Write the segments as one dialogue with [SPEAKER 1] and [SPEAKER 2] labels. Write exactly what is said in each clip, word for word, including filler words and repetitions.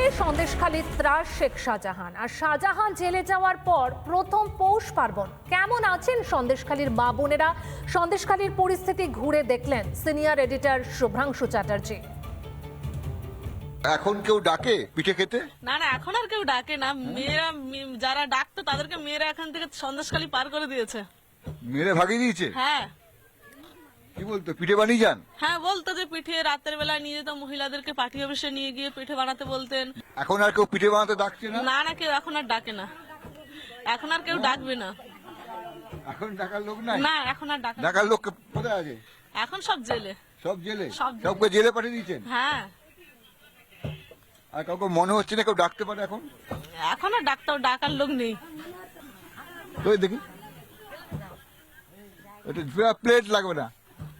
[SPEAKER 1] সন্দেশখালীর ত্রাস শেখ শাহজাহান। আর শাহজাহান জেলে যাওয়ার পর প্রথম পৌষ পার্বণ। কেমন আছেন সন্দেশখালীর মা বোনেরা? সন্দেশখালীর পরিস্থিতি ঘুরে দেখলেন সিনিয়র এডিটর শুভ্রাংশু চ্যাটার্জি।
[SPEAKER 2] এখন কেউ ডাকে পিঠে খেতে?
[SPEAKER 3] না না, এখন আর কেউ ডাকে না। মেয়েরা যারা ডাকতো তাদেরকে মেয়েরা এখান থেকে সন্দেশখালী পার করে দিয়েছে।
[SPEAKER 2] মেরে ভাগিয়ে দিয়েছে?
[SPEAKER 3] হ্যাঁ।
[SPEAKER 2] কি বলতো, পিঠে বানিয়ে যান?
[SPEAKER 3] হ্যাঁ, বলতো যে পিঠে রাতের বেলা নিয়ে যেত, মহিলাদেরকে পার্টি অফিসে নিয়ে গিয়ে পিঠে বানাতে বলতেন।
[SPEAKER 2] এখন আর কেউ পিঠে বানাতে ডাকছে না?
[SPEAKER 3] না না, কেউ এখন আর ডাকে না। এখন আর কেউ ডাকবে না।
[SPEAKER 2] এখন ডাকার লোক নাই?
[SPEAKER 3] না, এখন আর ডাকে না।
[SPEAKER 2] ডাকার লোক কোথায় আছে?
[SPEAKER 3] এখন সব জেলে।
[SPEAKER 2] সব জেলে?
[SPEAKER 3] সব জেলে।
[SPEAKER 2] সবকে জেলে পাঠিয়ে দিয়েছেন?
[SPEAKER 3] হ্যাঁ।
[SPEAKER 2] আর কাউকে মনে হচ্ছে না কেউ ডাকতে পারে এখন?
[SPEAKER 3] এখন আর ডাক্তার ডাকার লোক নেই।
[SPEAKER 2] তো দেখি, এটা প্লেট লাগবে না।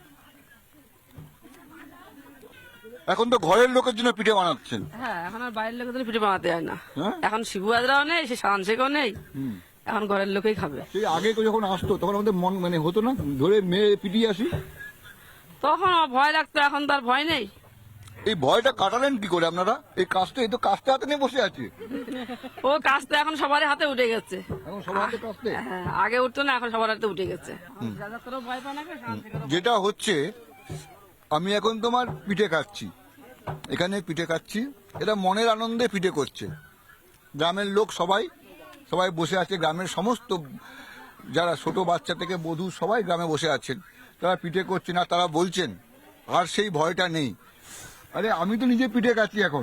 [SPEAKER 2] এখন তো ঘরের লোকের জন্য পিঠে বানাচ্ছেন?
[SPEAKER 4] হ্যাঁ, এখন আর বাইরের লোকেদের পিঠে বানাতে হয় না।
[SPEAKER 2] হ্যাঁ?
[SPEAKER 4] এখন শিবু হাজরাও নেই, সে শান শেখও নেই, এখন ঘরের লোকেই খাবে।
[SPEAKER 2] সেই আগে কেউ যখন আসতো তখন আমাদের মন মানে হতো না ধরে মেয়ে পিটিয়ে আসি?
[SPEAKER 4] তখন আমার ভয় লাগতো, এখন তার ভয় নেই।
[SPEAKER 2] এই ভয়টা কাটালেন কি করে আপনারা? এই কাজটা এই তো কাজটা হাতে নিয়ে বসে আছে।
[SPEAKER 4] ও কাজটা এখন সবার হাতে উঠে গেছে।
[SPEAKER 2] এখন সবার হাতে কাজটা?
[SPEAKER 4] হ্যাঁ, আগে উঠতো না, এখন সবার হাতে উঠে গেছে। যাদের ভয় পায় না, শান শেখেরও
[SPEAKER 2] যেটা হচ্ছে, আমি এখন তোমার পিঠে খাচ্ছি, এখানে পিঠে খাচ্ছি, এটা মনের আনন্দে পিঠে করছে। গ্রামের লোক সবাই সবাই বসে আছে, গ্রামের সমস্ত যারা ছোট বাচ্চা থেকে বধূ সবাই গ্রামে বসে আছেন, তারা পিঠে করছে না, তারা বলছেন আর সেই ভয়টা নেই। আরে আমি তো নিজে পিঠে খাচ্ছি এখন।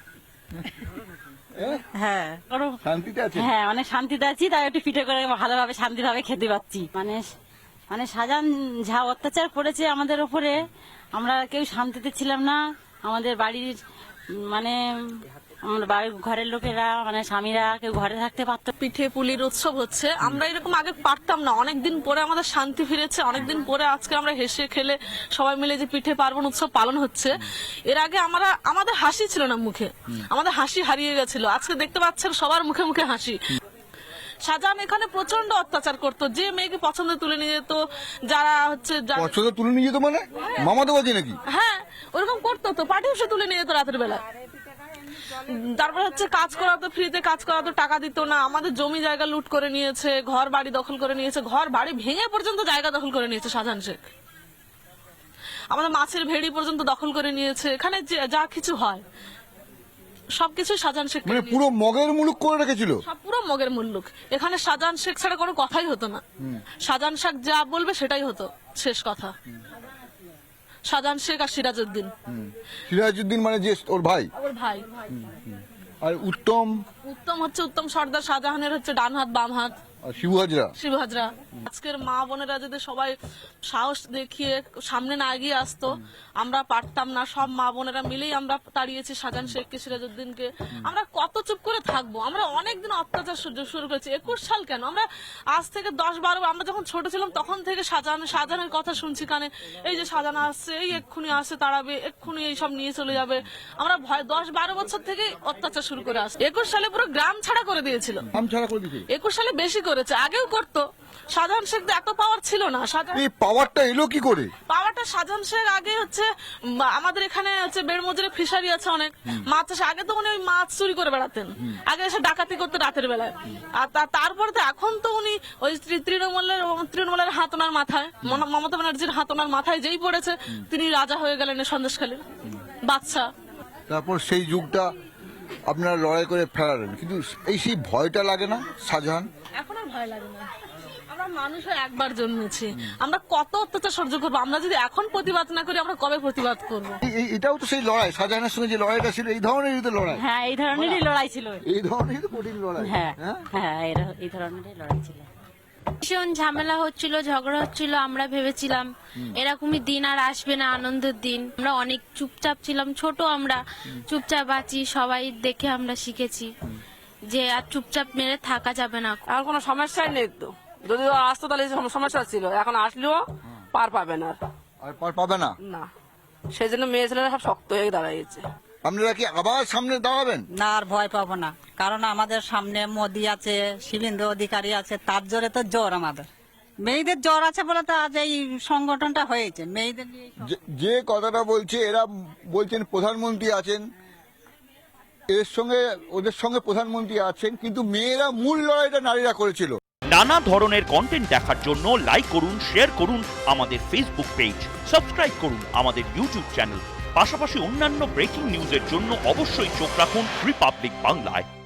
[SPEAKER 5] হ্যাঁ,
[SPEAKER 2] শান্তিতে আছে?
[SPEAKER 5] হ্যাঁ, অনেক শান্তিতে আছি, তাই একটু পিঠে করে ভালোভাবে শান্তিভাবে খেতে পাচ্ছি। মানে মানে শাহজাহান যা অত্যাচার করেছে আমাদের উপরে, আমরা কেউ শান্তিতে ছিলাম না। আমাদের বাড়ির মানে আমার বাড়ির ঘরের লোকেরা মানে স্বামীরা কেউ ঘরে থাকতে পারতো।
[SPEAKER 3] পিঠে পুলির উৎসব হচ্ছে, আমরা এরকম আগে পারতাম না। অনেকদিন পরে আমাদের শান্তি ফিরেছে, অনেকদিন পরে আজকে আমরা হেসে খেলে সবাই মিলে যে পিঠে পার্বণ উৎসব পালন হচ্ছে। এর আগে আমরা আমাদের হাসি ছিল না মুখে, আমাদের হাসি হারিয়ে গেছিল। আজকে দেখতে পাচ্ছেন সবার মুখে মুখে হাসি। শাহজাহান এখানে প্রচন্ড অত্যাচার করতো, যে মেয়েকে পছন্দ তুলে নিয়ে যেত, যারা হচ্ছে যারা-
[SPEAKER 2] পছন্দ তুলে নিয়ে যেত মানে মামাতো বাজি নাকি?
[SPEAKER 3] হ্যাঁ, ওরকম করতো তো, পার্টি অফিসে তুলে নিয়ে যেত রাতের বেলা। তারপর হচ্ছে কাজ করাতো, ফ্রিতে কাজ করাতো, টাকা দিত না। আমাদের জমি জায়গা লুট করে নিয়েছে, ঘর বাড়ি দখল করে নিয়েছে, ঘর বাড়ি ভেঙে পর্যন্ত জায়গা দখল করে নিয়েছে শাহজাহান শেখ। আমাদের মাছের ভেড়ি পর্যন্ত দখল করে নিয়েছে। এখানে যে- যা কিছু হয় সবকিছু শাহজাহান শেখ
[SPEAKER 2] মানে পুরো মগের মুলুক করে রেখেছিল।
[SPEAKER 3] সব পুরো মগের মুল্লুক। এখানে শাহজাহান শেখ ছাড়া কোনো কথাই হতো না। শাহজাহান শেখ যা বলবে সেটাই হতো, শেষ কথা। শাহজাহান শেখ আর সিরাজউদ্দিন।
[SPEAKER 2] সিরাজউদ্দিন মানে যে ওর ভাই?
[SPEAKER 3] ওর ভাই।
[SPEAKER 2] আর উত্তম?
[SPEAKER 3] উত্তম হচ্ছে উত্তম সর্দার, শাহজাহানের হচ্ছে ডান হাত বাম হাত।
[SPEAKER 2] আর শিবু হাজরা?
[SPEAKER 3] শিবু হাজরা। আজকের মা বোনেরা যদি সবাই সাহস দেখিয়ে সামনে না এগিয়ে আসতো, আমরা পারতাম না। সব মা বোনেরা মিলেই আমরা তাড়িয়েছি শাহজাহান শেখকে, সিরাজউদ্দিনকে। আমরা কত চুপ করে থাকবো? আমরা অনেকদিন অত্যাচার সহ্য শুরু করেছি। একুশ সাল কেন, আমরা আজ থেকে দশ বারো, আমরা যখন ছোট ছিলাম তখন থেকে শাহজাহান শাহজাহানের কথা শুনছি কানে। এই যে শাহজাহান আসছে, এই এক্ষুনি আসছে, তাড়াবে, এক্ষুনি এই সব নিয়ে চলে যাবে। আমরা ভয় দশ বারো বছর থেকে অত্যাচার শুরু করে আসছি। একুশ সালে পুরো গ্রাম ছাড়া করে দিয়েছিল।
[SPEAKER 2] আম ছাড়া করে দিয়েছে?
[SPEAKER 3] একুশ সালে বেশি করেছে, আগেও করতো। শাহজাহান শেখ এত পাওয়ার ছিল না।
[SPEAKER 2] এই পাওয়ারটা এলো কি করে?
[SPEAKER 3] পাওয়ারটা শাহজাহান শেখ আগে হচ্ছে উম, আমাদের এখানে হচ্ছে বেড়মজুরে ফিশারি আছে অনেক, মাছ চাষে। আগে তো উনি ওই মাছ চুরি করে বেড়াতেন, আগে এসে ডাকাতি করতে রাতের বেলায়। আর তা- তারপরে তো এখন তো উনি ওই তৃ- তৃণমূলের তৃণমূলের হাত ওনার মাথায়, মম- মমতা ব্যানার্জির হাত ওনার মাথায় যেই পড়েছে, তিনি রাজা হয়ে গেলেন এই সন্দেশখালীর বাদশা।
[SPEAKER 2] তারপর সেই যুগটা আপনারা লড়াই করে ফেরালেন, কিন্তু এই সেই ভয়টা লাগে না শাহজাহান?
[SPEAKER 3] এখন আর ভয় লাগে না। আমরা মানুষ হয়ে একবার জন্মেছি, আমরা কত অত্যাচার সহ্য করবো? আমরা যদি এখন প্রতিবাদ না করি, আমরা কবে প্রতিবাদ করবো?
[SPEAKER 2] এই- এই- এটাও তো সেই লড়াই, শাহজাহানের সঙ্গে যে লড়াইটা ছিল এই ধরনেরই তো লড়াই।
[SPEAKER 5] হ্যাঁ, এই ধরনেরই লড়াই ছিল।
[SPEAKER 2] এই ধরনেরই তো কঠিন লড়াই।
[SPEAKER 5] হ্যাঁ
[SPEAKER 2] হ্যাঁ?
[SPEAKER 5] হ্যাঁ, এরা- এই ধরনেরই লড়াই ছিল।
[SPEAKER 6] ভীষণ ঝামেলা হচ্ছিল, ঝগড়া হচ্ছিল। আমরা ভেবেছিলাম এরকমই দিন আর আসবে না, আনন্দের দিন। আমরা অনেক চুপচাপ ছিলাম, ছোট আমরা চুপচাপ আছি। সবাই দেখে আমরা শিখেছি যে আর চুপচাপ মেরে থাকা যাবে না।
[SPEAKER 4] এখন কোনো সমস্যাই নেই তো। যদি ও আসতো তাহলে এই সম- সমস্যা ছিল, এখন আসলেও পার পাবে না।
[SPEAKER 2] আর পার পাবে না?
[SPEAKER 4] না, সেই জন্য মেয়ে ছেলেরা সব শক্ত হয়ে দাঁড়িয়েছে।
[SPEAKER 2] আপনারা কি আবার সামনে দাঁড়াবেন?
[SPEAKER 7] না, আর ভয় পাবো না, কারণ আমাদের সামনে মোদি আছে, শিবেন্দ্র অধিকারী আছে, তার জোরে তো জোর আমাদের। মেয়েদের জ্বর আছে বলে তো আজ এই সংগঠনটা হয়েছে, মেয়েদের নিয়ে।
[SPEAKER 2] যে- যে কথাটা বলছে এরা বলছেন প্রধানমন্ত্রী আছেন, এর সঙ্গে ওদের সঙ্গে প্রধানমন্ত্রী আছেন, কিন্তু মেয়েরা মূল লড়াইটা নারীরা করেছিল।
[SPEAKER 8] নানা ধরনের কন্টেন্ট দেখার জন্য লাইক করুন, শেয়ার করুন আমাদের ফেসবুক পেজ, সাবস্ক্রাইব করুন আমাদের ইউটিউব চ্যানেল। পাশাপাশি অন্যান্য ব্রেকিং নিউজের জন্য অবশ্যই চোখ রাখুন রিপাবলিক বাংলায়।